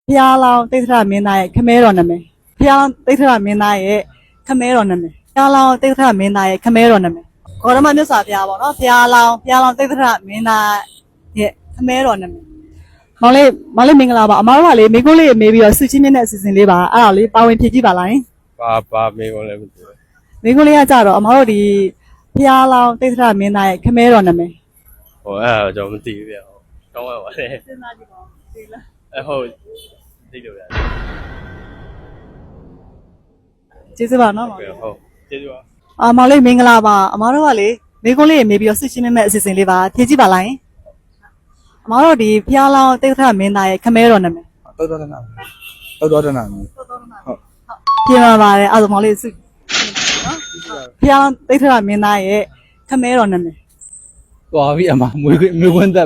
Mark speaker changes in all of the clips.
Speaker 1: ဖျားလောင်းတိတ်ထရမင်းသားရဲ့ခမဲတော်နာမည်ဖျားလောင်းတိတ်ထရမင်းသားရဲ့ခမဲတော်နာမည်ဖျားလောင်းတိတ်ထရမင်းသားရဲ့ခမဲတော်နာမည်ဂေါရမမြတ်စွာဘုရားပေါ့နော်ဖျားလောင်းတိတ်ထရမင်းသားရဲ့ခမဲတော်နာမည်မောင်လေးမင်္ဂလာပါအမားတို့ကလေမိကုန်းလေးမေးပြီးတော့စုချင်းမြင့်တဲ့အစီအစဉ်လေးပါအဲ့ဒါလေးပါဝင်ဖြည့်ကြည့်ပါလား
Speaker 2: ပါမေကုန်လည်းမသိဘူး
Speaker 1: မိကုန်းလေးကကြတော့အမားတို့ဒီဖျားလောင်းတိတ်ထရမင်းသားရဲ့ခမဲတော်နာမည်
Speaker 2: ဟိုအဲ့ဒါကျွန်တော်မသိဘူးဗျတောင်းရပါလေ
Speaker 1: စဉ်းစားကြည့်ပါသိလား
Speaker 2: ဟုတ်သိလို့ဗျ
Speaker 1: ကျေးဇူးပါနော်မောင်လေး
Speaker 2: ဟုတ်ကျေးဇူးပါ
Speaker 1: မောင်လေးမင်္ဂလာပါအမားတို့ကလေမိကုန်းလေးမေးပြီးတော့စုချင်းမြင့်မဲ့အစီအစဉ်လေးပါဖြည့်ကြည့်ပါလားအမားတို့ဒီဖျားလောင်းတိတ်ထရမင်းသားရဲ့ခမဲတော်နာမည်
Speaker 3: တောတော်တနာဟုတ်
Speaker 1: ပြင်ပါပါတယ်အဲ့ဒါမောင်လေးစုနော်ဖျားလောင်းတိတ်ထရမင်းသားရဲ့ခမဲတော်နာမည်
Speaker 3: သွားပြီအမမွေးခွန်းသက်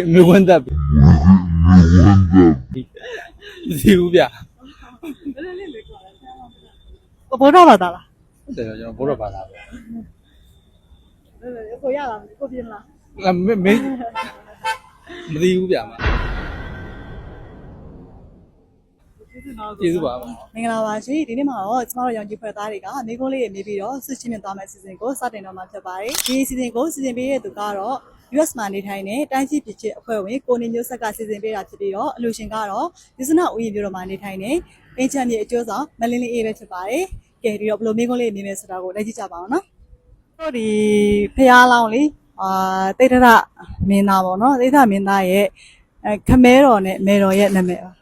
Speaker 3: ဒီဦးဗျ
Speaker 1: ဘောတော့ပါသားလား
Speaker 3: ဟုတ်တယ်ကျွန်တော်ဘောတော့ပါသားပဲ
Speaker 1: ကိုရလားကိုပြင်လား
Speaker 3: မသိဘူးဗျာမကျေးဇူးပါ
Speaker 1: မင်္ဂလာပါရှင်ဒီနေ့မှာတော့ကျမတို့ရောင်ကြီးဖွဲ့သားတွေကမိကုန်းလေးရေမေးပြီးတော့ဆွချင်းမြင့်သွားမယ့်အစီအစဉ်ကိုစတင်တော့မှာဖြစ်ပါတယ်ဒီအစီအစဉ်ကိုစီစဉ်ပေးတဲ့သူကတော့ US မှာနေထိုင်တဲ့တိုင်းပြည်ပြည်ချစ်အဖွဲ့ဝင်ကိုနေမျိုးဆက်ကစီစဉ်ပေးတာဖြစ်ပြီးတော့အလူရှင်ကတော့ဒီစနဦးရီမျိုးတော်မှာနေထိုင်တဲ့ပင်ချန်မြေအကျိုးဆောင်မလင်းလေးအေးပဲဖြစ်ပါတယ်ကဲဒီတော့ဘယ်လိုမိကုန်းလေးနေမယ်ဆိုတာကိုလက်ကြည့်ကြပါအောင်နော်တို့ဒီဖျားလောင်းလေးတိတ်ထရမင်းသားပေါ့နော်တိတ်ထရမင်းသားရဲ့ခမဲတော်နဲ့မေတော်ရဲ့နာမည်ပါ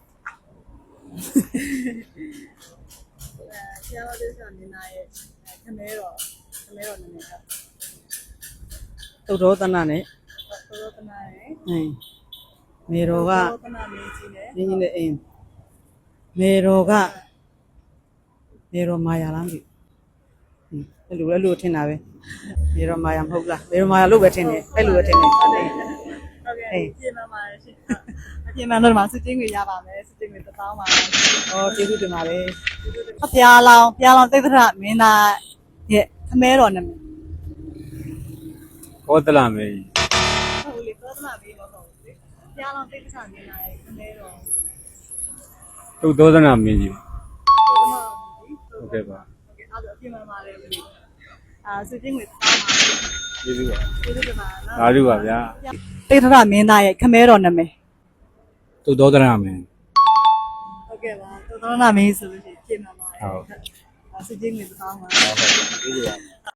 Speaker 1: ဆရာတော်တိတ်ထရမင်းသားရဲ့ခမဲတော်နာမည်က
Speaker 3: သုတော်တနာနဲ့
Speaker 1: သုတော်တနာနဲ့
Speaker 3: မေတော်က
Speaker 1: သုတော်တနာမင်းကြီးနဲ့
Speaker 3: အင်းမေတော်မာယာလားမသိဘူးအဲ့လိုထင်တာပဲမေတော်မာယာမဟုတ်လားမေတော်မာယာလို့ပဲထင်တယ်အဲ့လိုပဲထင်တယ်
Speaker 1: ဟုတ်ကဲ့ပြင်ပါပါရှင်အပြင်မှာတော့စုချင်းတွေရပါမယ်စုချင်းတွေ1000ပါ
Speaker 3: ကျေးဇူးတင်ပါတယ်
Speaker 1: ဖျားလောင်းတိတ်ထရမင်းသားရဲ့ခမဲတော်နာမည်
Speaker 2: ဘောတလာမေကြီး
Speaker 1: ဟုတ်လေဘောတလာမေကြီးတော့ဟုတ်လေဖျားလောင်းတိတ်ထရမင်းသားရဲ့ခမဲတော်
Speaker 2: သူ့သောသနာမင်းကြီးဟုတ်ကဲ့ပါ
Speaker 1: အဲ့ဒါအပြင်မှာပါတယ်ဘယ်လိုစုချင်းတွေ1000ပါ
Speaker 2: ကျေးဇူးပါ
Speaker 1: ကျေးဇူးတင်ပါနော်
Speaker 2: အားလုံးပါဗျာ
Speaker 1: တိတ်ထရမင်းသားရဲ့ခမဲတော်နာမည်
Speaker 2: သူ့သောသနာမင်း
Speaker 1: ဟုတ်ကဲ့ပါသုတော်နာမင်းဆိုလို့ရှိရင်ပြင်မှာပါတယ်ဟုတ်စုချင်းတွေ1000ပါ
Speaker 2: ဟုတ်ကဲ့ကျေးဇူးပါ